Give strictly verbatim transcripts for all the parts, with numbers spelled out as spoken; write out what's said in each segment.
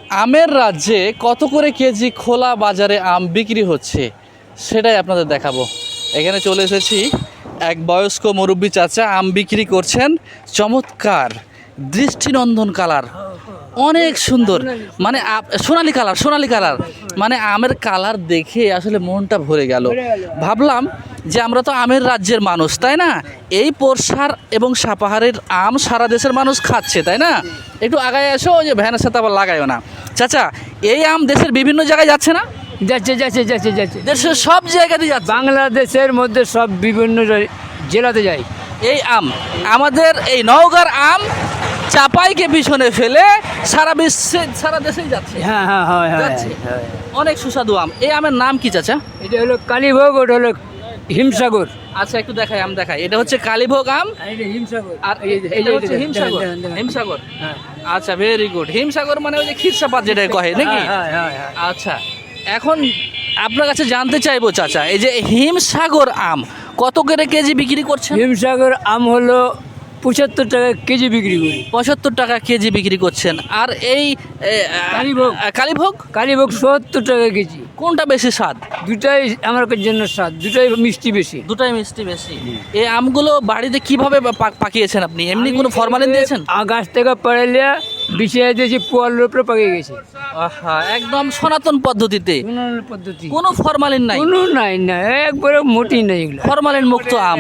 আমের রাজ্যে কত করে কেজি খোলা বাজারে আম বিক্রি হচ্ছে সেটাই আপনাদের দেখাবো। এখানে চলে এসেছি, এক বয়স্ক মুরব্বী চাচা আম বিক্রি করছেন। চমৎকার দৃষ্টিনন্দন কালার, অনেক সুন্দর, মানে সোনালি কালার সোনালি কালার মানে আমের কালার দেখে আসলে মনটা ভরে গেল। ভাবলাম যে আমরা তো আমের রাজ্যের মানুষ, তাই না? এই পোরশার এবং সাপাহারের আম সারা দেশের মানুষ খাচ্ছে, তাই না? একটু আগায় আসো, ওই যে ভ্যানের সাথে আবার লাগাইও না। চাচা, এই আম দেশের বিভিন্ন জায়গায় যাচ্ছে না? যাচ্ছে যাচ্ছে যাচ্ছে যাচ্ছে দেশের সব জায়গাতে যাচ্ছে। বাংলাদেশের মধ্যে সব বিভিন্ন জেলাতে যায় এই আম, আমাদের এই নওগাঁর আম চাপাইকে পিছনে ফেলে সারা বিশ্বে সারা দেশেই যাচ্ছে। হ্যাঁ হ্যাঁ হ্যাঁ হ্যাঁ যাচ্ছে। হ্যাঁ। অনেক সুস্বাদু আম। এই আমের নাম কি চাচা? এটা হলো কালীভোগ, ওটা হলো হিমসাগর। আচ্ছা, একটু দেখাই, আম দেখাই। এটা হচ্ছে কালীভোগ আম, হিমসাগর আর এটা হচ্ছে হিমসাগর। হিমসাগর, আচ্ছা, ভেরি গুড। হিমসাগর মানে ওই যে ক্ষীরসাপাত যেটা কহে নাকি? আচ্ছা, এখন আপনার কাছে জানতে চাইবো চাচা, এই যে হিমসাগর আম কত করে কেজি বিক্রি করছেন? হিমসাগর আম হলো পঁচাত্তর টাকা কেজি বিক্রি করি। পঁচাত্তর টাকা কেজি বিক্রি করছেন। আর এই এ, কালীভোগ কালীভোগ কালীভোগ সত্তর টাকা কেজি। কোনটা বেশি স্বাদ? দুটাই আমার জন্য স্বাদ, দুটাই মিষ্টি বেশি। দুটাই মিষ্টি বেশি। এই আমগুলো বাড়িতে কিভাবে পা- পাকিয়েছেন আপনি? এমনি কোনো ফরমালিন দিয়েছেন? আ গাছ থেকে পাড়াইলে বিছিয়ে দিয়েছি, পোয়ালের উপরে পাকিয়ে গেছে। আহা, একদম সনাতন পদ্ধতিতে, উন্নয়ন পদ্ধতি কোনো ফরমালিন নাই। কোনো নাই না, একবারে মোটি নাই এগুলো। ফরমালিন মুক্ত আম।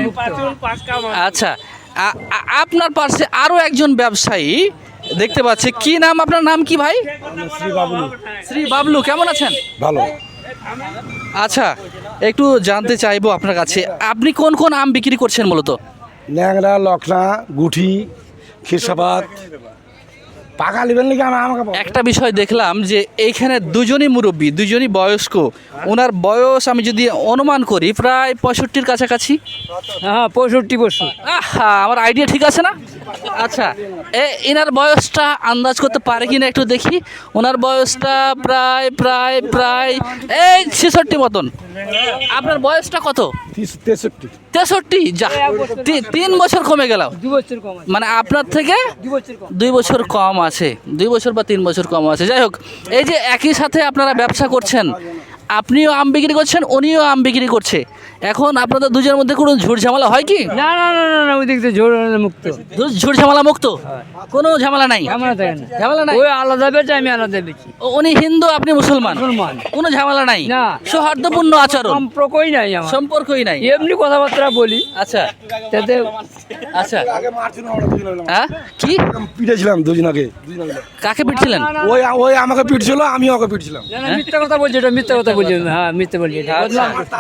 আচ্ছা, আ- আ- আপনার পাশে আরো একজন ব্যবসায়ী দেখতে পাচ্ছি। কি নাম আপনার? নাম কি ভাই? শ্রী বাবলু। শ্রী বাবলু, কেমন আছেন? ভালো। আচ্ছা, একটু জানতে চাইবো আপনার কাছে, আপনি কোন কোন আম বিক্রি করছেন মূলত? ন্যাংরা, লখনা, গুঠি, ক্ষীরসাপাত। পাকা নেবেন নাকি? আমি আমাকে বল। একটা বিষয় দেখলাম যে এইখানে দুজনই মুরব্বী, দুজনই বয়স্ক। ওনার বয়স আমি যদি অনুমান করি প্রায় পঁয়ষট্টির কাছাকাছি। হ্যাঁ, পঁয়ষট্টি বছর। আহা, আমার আইডিয়া ঠিক আছে না? আচ্ছা, এ এনার বয়সটা আন্দাজ করতে পারে কিনা একটু দেখি। ওনার বয়সটা প্রায় প্রায় প্রায় এই ছেষট্টি মতন। আপনার বয়সটা কত? তিস- তেষট্টি। তেষট্টি? যা, তি- তিন বছর কমে গেল। দু বছর কম আছে, মানে আপনার থেকে দু বছর কম। দুই বছর কম আছে, দুই বছর বা তিন বছর কম আছে। যাই হোক, এই যে একই সাথে আপনারা ব্যবসা করছেন, আপনিও আম বিক্রি করছেন, উনিও আম বিক্রি করছে, এখন আপনাদের দুজনের মধ্যে কোনো ঝুট ঝামেলা হয় কি? না না না না না, ওই দিক থেকে ঝোড় মুক্ত, দু- ঝুট ঝামেলা মুক্ত, কোনো ঝামেলা নাই। ঝামেলা থাকে না। ঝামেলা নাই। ওই আলাদা বেচে, আমি আলাদা বেচি। ও, উনি হিন্দু, আপনি মুসলমান, মুসলমান। কোনো ঝামেলা নাই, না। সৌহার্দ্যপূর্ণ আচরণ, সম্পর্কই নাই আমার, সম্পর্কই নাই। এমনি কথাবার্তা বলি। আচ্ছা তাতে আচ্ছা, আগে মারছিল আমরা দুজন মিলে। হ্যাঁ, কি পিটেছিলাম দুজন আগে, দুজন মিলে। কাকে পিটছিলেন? ওই ওই আমাকে পিটছিল, আমি ওকে পিটছিলাম। না, না, মিথ্যা কথা বলছি, এটা মিথ্যা কথা বলছি। হ্যাঁ, মিথ্যা বলছি এটা। আচ্ছা।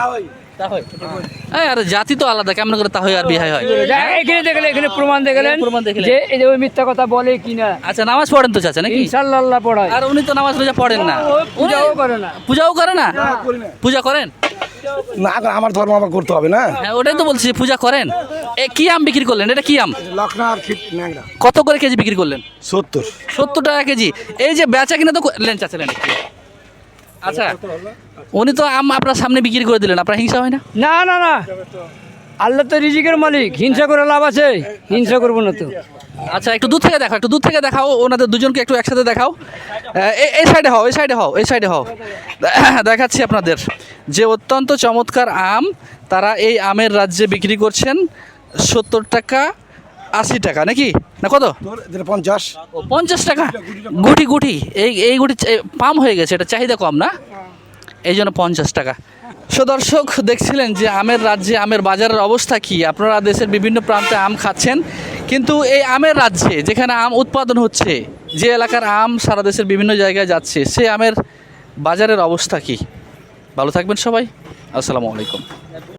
এই, আরে জাতি তো আলাদা, কেমন করে তা হয় আর বিহাই হয়? যা, এখানে দেখলে, এখানে প্রমাণ দেখলেন প্রমাণ দেখলেন। যে এই যে ওই মিথ্যা কথা বলে কিনা। আচ্ছা, নামাজ পড়েন তো চাচা নাকি? ইনশাআল্লাহ পড়ায়। আর উনি তো নামাজ রোজা পড়েন না। ও পূজাও করে না। পূজাও করে না? করি না। পূজা করেন? না, আমার ধর্ম আমার করতে হবে না। হ্যাঁ, ওটাই তো বলছি, পূজা করেন। এ কি আম বিক্রি করলেন? এটা কি আম? লখনা আর ক্ষীর ন্যাংরা। কত করে কেজি বিক্রি করলেন? সত্তর। সত্তর টাকা কেজি। এই যে বেচা কিনা তো ক- লেন চাচা, লেন একটু। আচ্ছা, উনি তো আম আপনার সামনে বিক্রি করে দিলেন, আপনার হিংসা হয় না? না না না, আল্লাহ তো রিজিকের মালিক, হিংসা করে লাভ আছে? হিংসা করবো না তো। আচ্ছা, একটু দূর থেকে দেখাও, একটু দূর থেকে দেখাও, ওনাদের দুজনকে একটু একসাথে দেখাও। আহ, এই- এই সাইডে হও, এই সাইডে হও, এই সাইডে হও। দেখাচ্ছি আপনাদের যে অত্যন্ত চমৎকার আম, তারা এই আমের রাজ্যে বিক্রি করছেন সত্তর টাকা, আশি টাকা নাকি না কত? তোর যেটা পঞ্চাশ। ও, পঞ্চাশ টাকা গুটি গুটি। এই এই গুটি চা- পাম হয়ে গেছে, এটা চাহিদা কম না, এই জন্য পঞ্চাশ টাকা। সো দর্শক, দেখছিলেন যে আমের রাজ্যে আমের বাজারের অবস্থা কি। আপনারা দেশের বিভিন্ন প্রান্তে আম খাচ্ছেন, কিন্তু এই আমের রাজ্যে যেখানে আম উৎপাদন হচ্ছে, যে এলাকার আম সারা দেশের বিভিন্ন জায়গায় যাচ্ছে, সেই আমের বাজারের অবস্থা কি? ভালো থাকবেন সবাই, আসসালামু আলাইকুম।